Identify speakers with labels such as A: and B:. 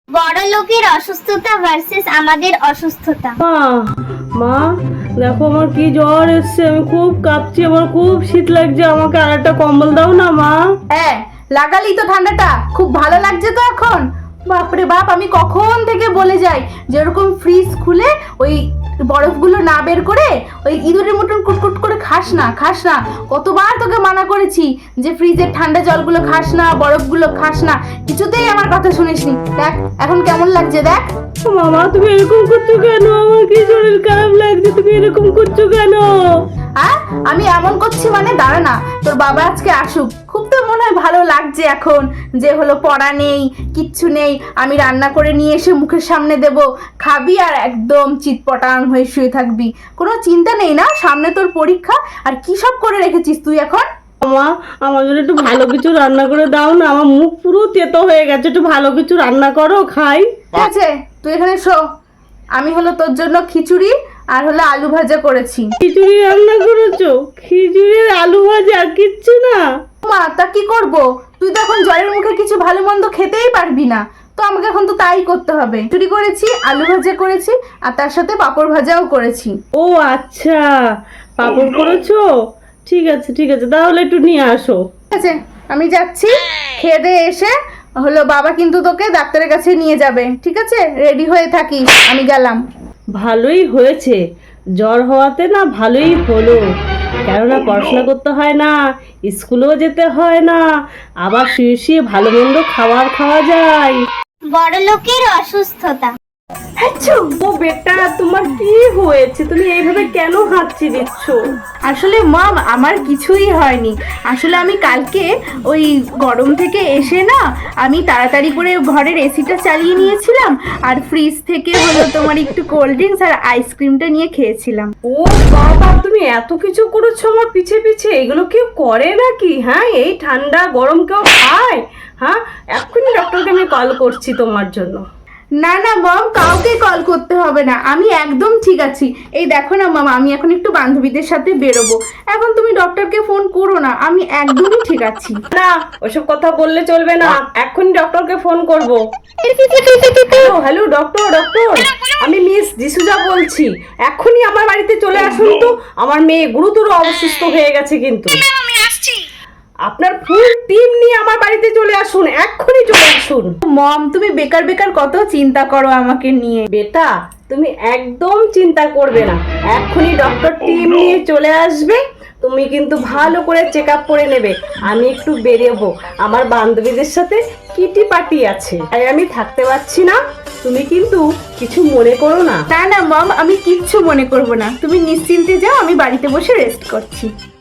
A: বড় লোকের অসুস্থতা ভার্সেস আমাদের অসুস্থতা।
B: মা দেখো আমার কি জ্বর এসছে, আমি খুব কাঁপছি, আমার খুব শীত লাগছে, আমাকে আর একটা কম্বল দাও না মা।
C: হ্যাঁ লাগালি তো ঠান্ডাটা, খুব ভালো লাগছে তো এখন। বাপরে বাপ, আমি কখন থেকে বলে যাই যেরকম ফ্রিজ খুলে ওই বরফগুলো না বের করে ওই ইঁদুরের মতন কুটকুট করে খাস না খাস না। কতবার তোকে মানা করেছি যে ফ্রিজের ঠান্ডা জলগুলো খাস না, বরফগুলো খাস না, কিছুতেই আমার কথা শুনিসনি। দেখ এখন কেমন লাগছে দেখ।
B: মামা তুমি এরকম করছো কেন? আমার কি শরীর খারাপ লাগছে, তুমি এরকম করছো কেন?
C: হ্যাঁ আমি এমন করছি মানে দাঁড়া না, তোর বাবা আজকে আসুক, খুব তো মনে হয় ভালো লাগছে এখন যে হলো পড়া নেই কিচ্ছু নেই, আমি রান্না করে নিয়ে এসে মুখের সামনে দেব, খাবি আর একদম চিৎপটাং হয়ে শুয়ে থাকবি, কোনো চিন্তা নেই না, সামনে তোর পরীক্ষা। আর কি সব করে রেখেছিস তুই এখন?
B: মা আমার জন্য একটু ভালো কিছু রান্না করে দাও না, আমার মুখ পুরো তেতো হয়ে গেছে, একটু ভালো কিছু রান্না করো খাই।
C: ঠিক আছে তুই এখানে শো, আমি হলো তোর জন্য খিচুড়ি আর হলো আলু ভাজা করেছি।
B: খিচুড়ি রান্না করেছো? খিচুড়ির আলু ভাজা কিচ্ছু না?
C: মা তা কি করব, তুই তো এখন জ্বরের মুখে কিছু ভালো মন্দ খেতেই পারবি না, তো আমাকে এখন তো তাই করতে হবে। খিচুড়ি করেছি, আলু ভাজা করেছি আর তার সাথে পাঁপড় ভাজাও করেছি।
B: ও আচ্ছা, পাপড় করেছো? ঠিক আছে ঠিক আছে, তাহলে একটু নিয়ে আসো।
C: ঠিক আছে আমি যাচ্ছি, খেয়ে দিয়ে এসে হলো বাবা কিন্তু তোকে ডাক্তারের কাছে নিয়ে যাবে, ঠিক আছে? রেডি হয়ে থাকিস, আমি গেলাম।
B: ভালোই হয়েছে, জ্বর হওয়াতে না ভালোই হলো, কেননা পড়াশোনা করতে হয় না, স্কুলেও যেতে হয় না, আবার শুয়ে শুয়ে ভালো মন্দ খাবার খাওয়া যায়।
A: বড় লোকের অসুস্থতা।
B: ও বেটা, তোমার কি হয়েছে? তুমি এইভাবে কেন হাঁচি দিচ্ছ?
C: আসলে মম আমার কিছুই হয়নি, আসলে আমি কালকে ওই গরম থেকে এসে না আমি তাড়াতাড়ি করে ঘরের এসিটা চালিয়ে নিয়েছিলাম আর ফ্রিজ থেকে হলো তোমার একটু কোল্ড ড্রিঙ্কস আর আইসক্রিমটা নিয়ে খেয়েছিলাম।
B: ও বাবা, তুমি এত কিছু করেছো আমার পিছে পিছে, এগুলো কেউ করে নাকি? হ্যাঁ এই ঠান্ডা গরম কেউ খায়? হ্যাঁ এক্ষুনি ডক্টরকে আমি কল করছি তোমার জন্য।
C: না না মম, কাউকে কল করতে হবে না, আমি একদম ঠিক আছি। এই দেখো না মামা, আমি এখন একটু বান্ধবীদের সাথে বেরোবো, এখন তুমি ডক্টরকে ফোন করো না, আমি একদমই ঠিক আছি।
B: না ওসব কথা বললে চলবে না, এক্ষুনি ডক্টরকে ফোন করবো। হ্যালো ডক্টর, আমি মিস ডিসুজা বলছি, এক্ষুনি আমার বাড়িতে চলে আসুন তো, আমার মেয়ে গুরুতর অসুস্থ হয়ে গেছে কিন্তু। আপনার ফুল টিম নিয়ে আমার বাড়িতে চলে আসুন, এক্ষুনি চলে আসুন।
C: মম তুমি বেকার বেকার কত চিন্তা করো আমাকে নিয়ে।
B: বেটা তুমি একদম চিন্তা করবে না, এক্ষুনি ডক্টর টিম নিয়ে চলে আসবে, তুমি কিন্তু ভালো করে চেক আপ করে নেবে। আমি একটু বেরোবো, আমার বান্ধবীদের সাথে কিটি পার্টি আছে, তাই আমি থাকতে পারছি না, তুমি কিন্তু কিছু মনে করো না।
C: না না মম, আমি কিচ্ছু মনে করব না, তুমি নিশ্চিন্তে যাও, আমি বাড়িতে বসে রেস্ট করছি।